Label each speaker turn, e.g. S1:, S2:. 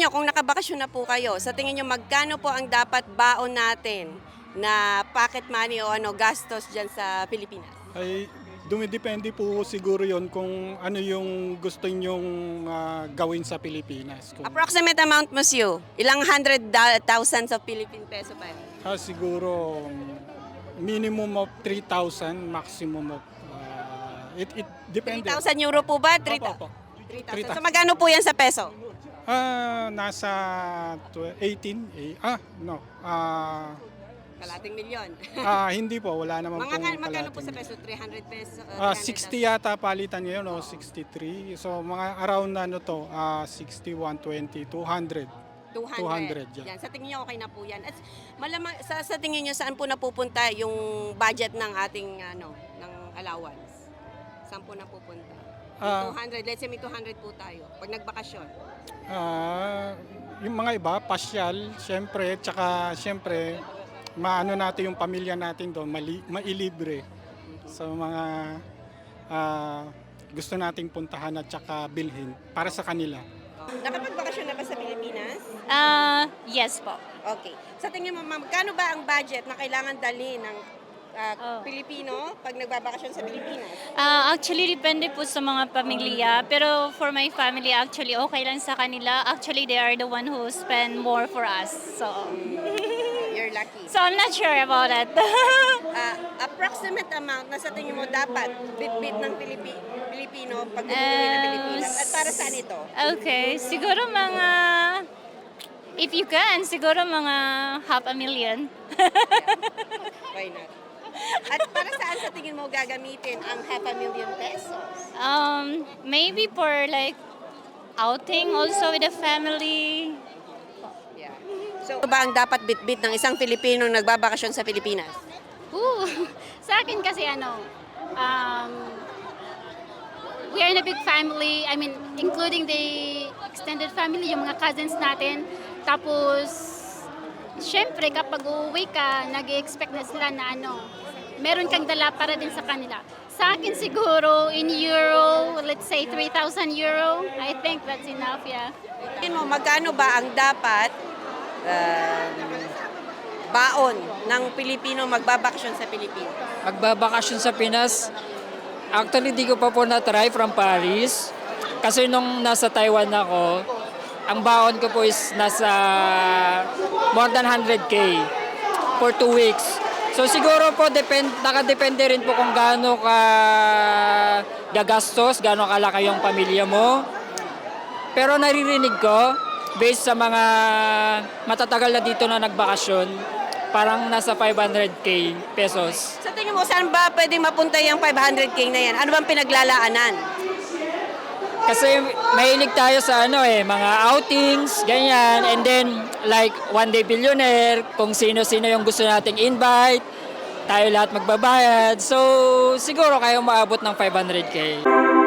S1: nyo, kung nakabakasyon na po kayo, sa tingin nyo, magkano po ang dapat baon natin na pocket money o gastos dyan sa Pilipinas?
S2: Ay dumidepende po siguro yon kung ano yung gusto nyong gawin sa Pilipinas.
S1: Approximate amount, monsieur. Ilang thousands of Philippine peso pa yun?
S2: Siguro minimum of 3,000, maximum of it depende.
S1: 3,000 euro po ba?
S2: Opo, opo.
S1: 3,000. So magkano po yan sa peso?
S2: Nasa 18, no.
S1: Kalating milyon.
S2: Hindi po, wala naman po.
S1: Magkano po sa peso? 300 peso?
S2: 60 yata palitan ngayon, o 63. So mga around 61, 20, 200. 200,
S1: Yan. Sa tingin niyo okay na po yan. At malamang sa tingin niyo saan po napupunta yung budget ng ating ng allowance? Saan po napupunta? Yung 200, let's say may 200 po tayo pag nagbakasyon.
S2: Yung mga iba, pasyal, syempre, tsaka syempre, maano natin yung pamilya natin doon, mailibre sa mga gusto nating puntahan at tsaka bilhin para sa kanila.
S1: Nakapagbakasyon na ba sa Pilipinas?
S3: Yes po.
S1: Okay. Sa tingin mo, ma'am, magkano ba ang budget na kailangan dalhin ng Pilipino pag nagbabakasyon sa Pilipinas?
S3: Actually, depende po sa mga pamilya. Pero for my family, actually, okay lang sa kanila. Actually, they are the one who spend more for us. So,
S1: You're lucky.
S3: so I'm not sure about it.
S1: Approximate amount na sa tingin mo dapat bit-bit ng Pilipino pag umuwi ng Pilipinas. At para saan ito?
S3: Okay, siguro mga, if you can, siguro mga 500,000.
S1: Why not? At para saan sa tingin mo gagamitin ang 500,000 pesos?
S3: Maybe for like outing also with the family.
S1: Yeah. So, ano ba ang dapat bit-bit ng isang Pilipino nagbabakasyon sa Pilipinas?
S4: Sa akin kasi we are in a big family. I mean, including the extended family, yung mga cousins natin. Tapos, syempre, kapag uuwi ka, nag-expect na sila na meron kang dala para din sa kanila. Sa akin siguro, in euro, let's say 3,000 euro. I think that's enough, yeah.
S1: Tingin mo, magkano ba ang dapat baon ng Pilipino magbabakasyon sa Pilipinas?
S5: Magbabakasyon sa Pinas. Actually, di ko pa po na-try from Paris. Kasi nung nasa Taiwan ako, ang baon ko po is nasa more than 100K for 2 weeks. So siguro po, nakadepende rin po kung gaano ka gagastos, gaano kalaki yung pamilya mo. Pero naririnig ko, based sa mga matatagal na dito na nagbakasyon, parang nasa 500K pesos.
S1: Sa tingin mo, saan ba pwedeng mapunta yung 500K na yan? Ano bang pinaglalaanan?
S5: Kasi mahilig tayo sa mga outings, ganyan. And then, like, one day billionaire, kung sino-sino yung gusto nating invite, tayo lahat magbabayad. So, siguro kayo maabot ng 500K.